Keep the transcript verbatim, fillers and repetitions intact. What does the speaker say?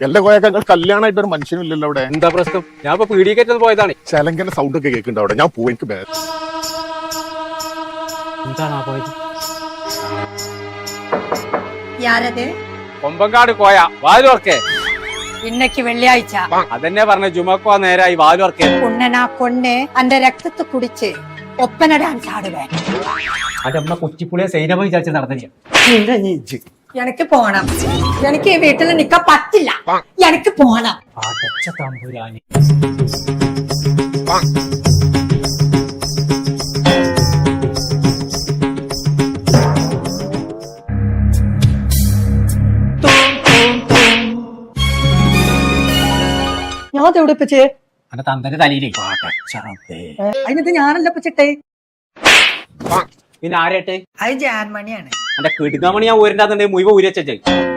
എല്ലാ കോയക്കൾ കല്യാണമായിട്ട് ഒരു മനുഷ്യനില്ലല്ലോ അവിടെ. എന്താ പ്രശ്നം? ഞാൻ ഇപ്പൊ പീഡിക്കേറ്റത് പോയതാണ്. ചെലങ്കന്റെ സൗണ്ട് ഒക്കെ കേൾക്കുന്നുണ്ട് അവിടെ. ഞാൻ പോയി എനിക്ക് ബേ- എന്താണ് ആ പോയത്? യാരത് കൊമ്പങ്കാട് കോയ വാലുവർക്കേ. ഇന്നക്ക് വെള്ളിയാഴ്ച അതെന്നെ പറഞ്ഞ ജുമക്കോ നേരായി വാലുവർക്കേ. ഉണ്ണനാ കൊണ്ണ് അന്റെ രക്തത്തെ കുടിച്ച് ഒപ്പന ഡാൻസ് ആടുവേ. അന്റെ അമ്മ കൊച്ചിപ്പുളിയെ സൈനമ വിചാരിച്ച് നടന്നില്ല. എനിക്ക് പോണം. എനിക്ക് ഈ വീട്ടിൽ നിക്കാൻ പറ്റില്ല. എനിക്ക് പോണം. അടച്ച തമ്പുരാനി. ഞാൻ തെവിടിപ്പിച്ച് അന്റെ തന്തന്റെ തലയിലേ. അതിനത് ഞാനല്ല പിച്ചിട്ടെ. പിന്നെ ആരേട്ടെ? അത് ജാൻമണിയാണ്. എന്റെ കിടുങ്ങാമണി ഞാൻ ഊരിന്റെ മുഴുവൻ ഊരി വെച്ചേ.